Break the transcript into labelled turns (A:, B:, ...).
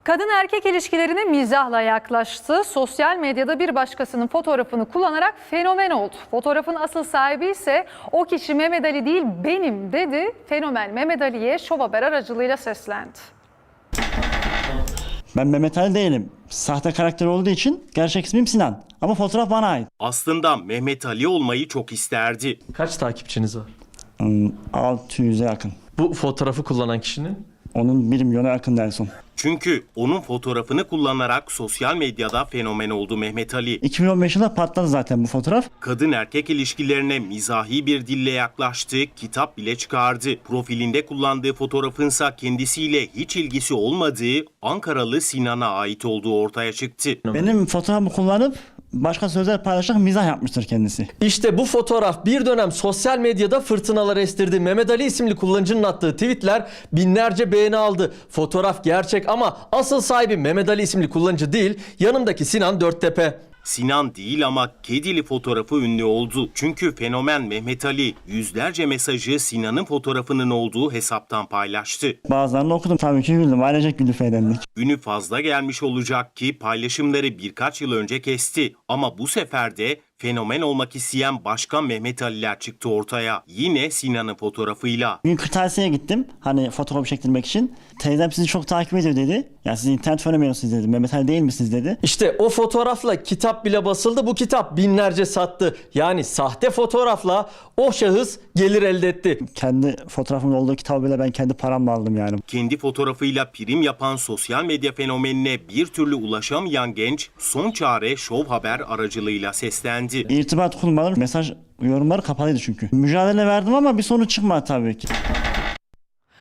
A: Kadın erkek ilişkilerine mizahla yaklaştı. Sosyal medyada bir başkasının fotoğrafını kullanarak fenomen oldu. Fotoğrafın asıl sahibi ise o kişi Mehmet Ali değil benim dedi. Fenomen Mehmet Ali'ye Şov Haber aracılığıyla seslendi.
B: Ben Mehmet Ali değilim. Sahte karakter olduğu için gerçek ismim Sinan. Ama fotoğraf bana ait.
C: Aslında Mehmet Ali olmayı çok isterdi.
D: Kaç takipçiniz var?
B: 600'e yakın.
D: Bu fotoğrafı kullanan kişinin?
B: Onun 1 milyona yakın en son.
C: Çünkü onun fotoğrafını kullanarak sosyal medyada fenomen oldu Mehmet Ali.
B: 2015 yılında patladı zaten bu fotoğraf.
C: Kadın erkek ilişkilerine mizahi bir dille yaklaştı, kitap bile çıkardı. Profilinde kullandığı fotoğrafınsa kendisiyle hiç ilgisi olmadığı Ankaralı Sinan'a ait olduğu ortaya çıktı.
B: Benim fotoğrafımı kullanıp başka sözler paylaşarak mizah yapmıştır kendisi.
D: İşte bu fotoğraf bir dönem sosyal medyada fırtınalar estirdi. Mehmet Ali isimli kullanıcının attığı tweetler binlerce beğeni aldı. Fotoğraf gerçek ama asıl sahibi Mehmet Ali isimli kullanıcı değil, yanındaki Sinan Dörttepe.
C: Sinan değil ama kedili fotoğrafı ünlü oldu. Çünkü fenomen Mehmet Ali yüzlerce mesajı Sinan'ın fotoğrafının olduğu hesaptan paylaştı.
B: Bazılarını okudum tabii ki güldüm. Ailecek güldük eğlendik.
C: Ünü fazla gelmiş olacak ki paylaşımları birkaç yıl önce kesti. Ama bu sefer de fenomen olmak isteyen başka Mehmet Ali'ler çıktı ortaya. Yine Sinan'ın fotoğrafıyla.
B: Bugün kırtasiyeye gittim. Hani fotoğraf çektirmek için. Teyzem sizi çok takip ediyor dedi. Ya siz internet fenomenosunuz dedi. Mehmet Ali değil misiniz dedi.
D: İşte o fotoğrafla kitap bile basıldı. Bu kitap binlerce sattı. Yani sahte fotoğrafla o şahıs gelir elde etti.
B: Kendi fotoğrafımın olduğu kitabı bile ben kendi paramla aldım yani.
C: Kendi fotoğrafıyla prim yapan sosyal medya fenomenine bir türlü ulaşamayan genç son çare Şov Haber aracılığıyla seslendi.
B: İrtibat kurmaları, mesaj yorumları kapalıydı çünkü. Mücadele verdim ama bir sonuç çıkmadı tabii ki.